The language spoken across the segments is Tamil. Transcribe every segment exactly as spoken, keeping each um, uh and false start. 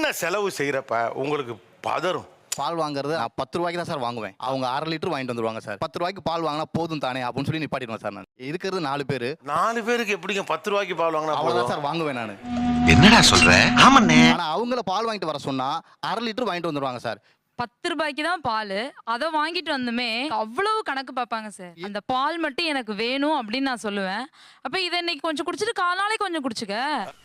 என்ன செலவு செய்யறப்ப உங்களுக்கு பதறும்? பால் வாங்குறது நான் பத்து ரூபாய்க்கு தான் சார் வாங்குவேன். அவங்க அரை லிட்டர் வாங்கிட்டு வந்துருவாங்க சார். பத்து ரூபாய்க்கு பால் வாங்கினா போதும் தானே அப்படின்னு சொல்லி நிப்பாட்டிடுவேன் சார். நான் இருக்கிறது நாலு பேர். நாலு பேருக்கு எப்படிங்க பத்து ரூபாய்க்கு பால் வாங்கினா அவ்வளோதான் சார் வாங்குவேன் நான். என்னடா சொல்ற? ஆமாண்ணே. ஆனால் அவங்கள பால் வாங்கிட்டு வர சொன்னா அரை லிட்டர் வாங்கிட்டு வந்துருவாங்க சார். பத்து ரூபாய்க்கு தான் பால், அதை வாங்கிட்டு வந்துமே அவ்வளவு கணக்கு பார்ப்பாங்க சார். அந்த பால் மட்டும் எனக்கு வேணும் அப்படின்னு நான் சொல்லுவேன். அப்ப இதை இன்னைக்கு கொஞ்சம் குடிச்சிட்டு காலாலே கொஞ்சம் குடிச்சுக்க.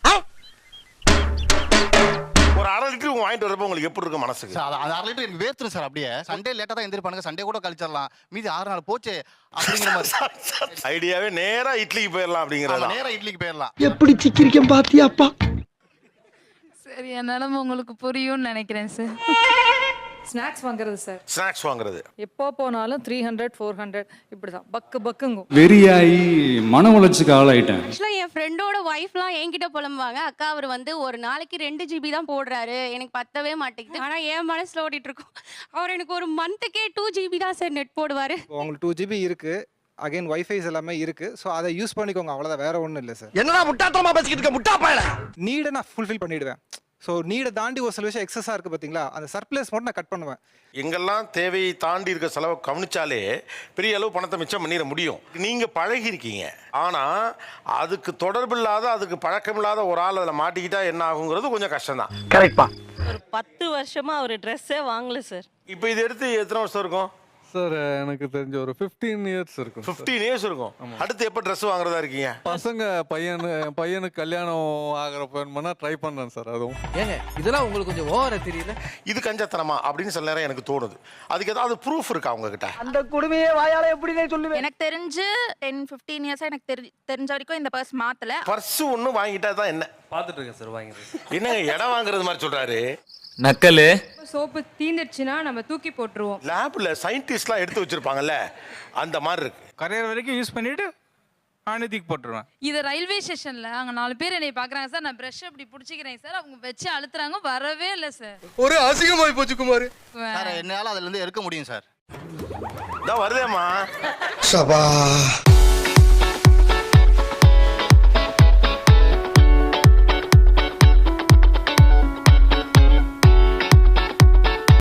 ஒரு அரை லிட்டர் வாங்கிட்டு வரப்ப உங்களுக்கு எப்படி இருக்கும் மனசுக்கு? சார் அது அரை லிட்டர் எனக்கு வேர்த்துரும் சார். அப்படியே சண்டே லேட்டாக தான் எந்திரிப்பானுங்க, சண்டே கூட கழிச்சிடலாம், மீதி ஆறு நாள் போச்சு அப்படிங்கிற மாதிரி ஐடியாவே நேரா இட்லிக்கு போயிடலாம் அப்படிங்கிறது. நேரா இட்லிக்கு போயிடலாம். எப்படி சிக்கிரிக்கம் பாத்தியாப்பா? சரி, என் நிலைமை உங்களுக்கு புரியும்னு நினைக்கிறேன் சார். ஸ்நாக்ஸ் வாங்குறது சார். ஸ்நாக்ஸ் வாங்குறது எப்போ போனாலும் த்ரீ ஹண்ட்ரட் ஃபோர் ஹண்ட்ரட் இப்படிதான் பக்கு பக்குங்கும். வெறியாயி மன உளைச்சுக்கு ஆளாயிட்டேன். ஆக்சுவலாக என் ஃப்ரெண்டோட ஒய்ஃப்லாம் என்கிட்ட புலம்புவாங்க, அக்கா அவர் வந்து ஒரு நாளைக்கு ரெண்டு ஜிபி தான் போடுறாரு, எனக்கு பத்தவே மாட்டேங்குது. ஆனால் என் மனசில் ஓடிட்டு இருக்கும், அவர் எனக்கு ஒரு மந்த்துக்கே டூ ஜிபி தான் சார் நெட் போடுவார். உங்களுக்கு டூ ஜிபி இருக்கு, அகைன் வைஃபைஸ் எல்லாமே இருக்கு, ஸோ அதை யூஸ் பண்ணிக்கோங்க, அவ்வளோதான், வேற ஒன்றும் இல்லை சார். என்னடா முட்டாத்தனமா பேசிக்கிட்டு இருக்க முட்டா பயல? நீடை நான் ஃபுல்ஃபில் பண்ணிடுவேன். ஸோ நீடை தாண்டி ஒரு சில விஷயம் எக்ஸஸாக இருக்குது பார்த்தீங்களா, அந்த சர்ப்ளஸ் மட்டும் நான் கட் பண்ணுவேன். எங்கெல்லாம் தேவையை தாண்டி இருக்க செலவை கவனிச்சாலே பெரிய அளவு பணத்தை மிச்சம் பண்ணிட முடியும். நீங்கள் பழகி இருக்கீங்க, ஆனால் அதுக்கு தொடர்பில்லாத அதுக்கு பழக்கமில்லாத ஒரு ஆள் அதில் மாட்டிக்கிட்டா என்ன ஆகுங்கிறது கொஞ்சம் கஷ்டம்தான். கரெக்ட்பா. ஒரு பத்து வருஷமா அவர் ட்ரெஸ்ஸே வாங்கல சார். இப்போ இது எடுத்து எத்தனை வருஷம் இருக்கும் சார்? எனக்கு தெரிஞ்ச ஒரு ஃபிஃப்டீன் இயர்ஸ் இருக்கும். ஃபிஃப்டீன் இயர்ஸ் இருக்கும். அடுத்து எப்போ ட்ரெஸ் வாங்குறதா இருக்கீங்க? பசங்க பையனு பையனுக்கு கல்யாணம் ஆகிறப்ப வேணும்னா ட்ரை பண்ணுறேன் சார். அதுவும் ஏங்க இதெல்லாம் உங்களுக்கு கொஞ்சம் ஓவரா தெரியல? இது கஞ்சத்தனமா அப்படின்னு சில நேரம் எனக்கு தோணுது. அதுக்கு ஏதாவது ப்ரூஃப் இருக்கா உங்ககிட்ட? அந்த குடுமையே வாயால எப்படி சொல்லுவேன்? எனக்கு தெரிஞ்சு டென் ஃபிஃப்டீன் இயர்ஸாக எனக்கு தெரி தெரிஞ்ச வரைக்கும் இந்த பர்ஸ் மாற்றலை. பர்ஸ் ஒன்று வாங்கிட்டா தான் என்ன? பார்த்துட்டு இருக்கேன் சார் வாங்கிறது. என்னங்க இடம் வாங்குறது மாதிரி சொல்றாரு? நக்கலு. சோப்பு தீந்துடுச்சுன்னா நம்ம தூக்கி போட்டுருவோம். லேப்ல சயின்டிஸ்ட்லாம் எடுத்து வச்சிருப்பாங்கல்ல, அந்த மாதிரி இருக்கு. கரையர் வரைக்கும் யூஸ் பண்ணிட்டு நானே தூக்கி போட்டுருவேன். இது ரயில்வே ஸ்டேஷன்ல அங்க நாலு பேர் என்னை பாக்குறாங்க சார். நான் பிரஷ் அப்படி பிடிச்சிக்கிறேன் சார், அவங்க வச்சு அழுத்துறாங்க, வரவே இல்லை சார். ஒரு அசிங்கமாய் போச்சு குமார். சார் என்னால் அதுல இருந்து எடுக்க முடியும் சார். இதான் வருதேம்மா. சபா.